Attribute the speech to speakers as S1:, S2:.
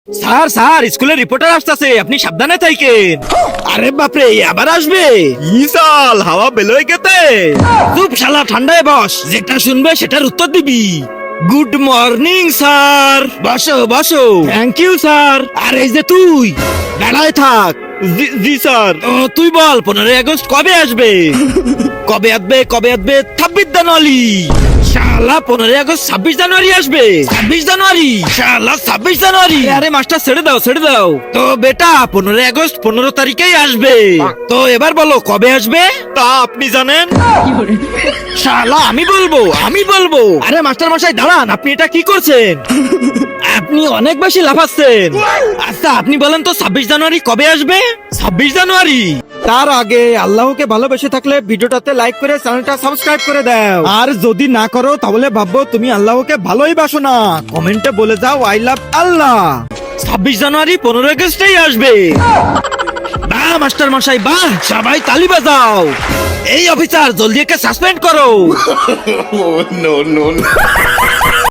S1: Sir sir স্কুলের reporter আসতেছে, আপনি সাবধানে থাকেন। আরে বাপরে, আবার আসবে? ইসাল হাওয়া বেলই গেতে। চুপ শালা, ঠান্ডায় বস, যেটা শুনবে সেটার উত্তর দিবি। Good morning sir. বসো বসো। Thank you sir. আর এই যে তুই দাঁড়ায় থাক। জি স্যার। তুই বল 15 আগস্ট কবে আসবে? কবে আসবে 26 জানুয়ারি। শালা 15 আগস্ট 26 জানুয়ারি আসবে? 26 জানুয়ারি শালা 26 জানুয়ারি। আরে মাস্টার ছেড়ে দাও ছেড়ে দাও। তো বেটা 15 আগস্ট 15 তারিখেই আসবে। তো এবার বলো কবে আসবে? তা আপনি জানেন? শালা আমি বলবো। আরে মাস্টার মশাই দাঁড়ান, আপনি এটা কি করছেন? আপনি অনেক বেশি লাফাচ্ছেন। আচ্ছা আপনি বলেন তো 26 জানুয়ারি কবে আসবে? 26 জানুয়ারি। তার আগে আল্লাহকে ভালোবেসে থাকলে ভিডিওটাতে লাইক করে চ্যানেলটা সাবস্ক্রাইব করে দাও। আর যদি না করো তাহলে ভাববো তুমি আল্লাহকে ভালোই বাসো না। কমেন্টে বলে যাও আই লাভ আল্লাহ। 26 জানুয়ারি 15 আগস্টেই আসবে। বাহ মাস্টার মশাই বাহ, সবাই তালি বাজাও। এই অফিসার জলদি একে সাসপেন্ড করো।
S2: No, no, no.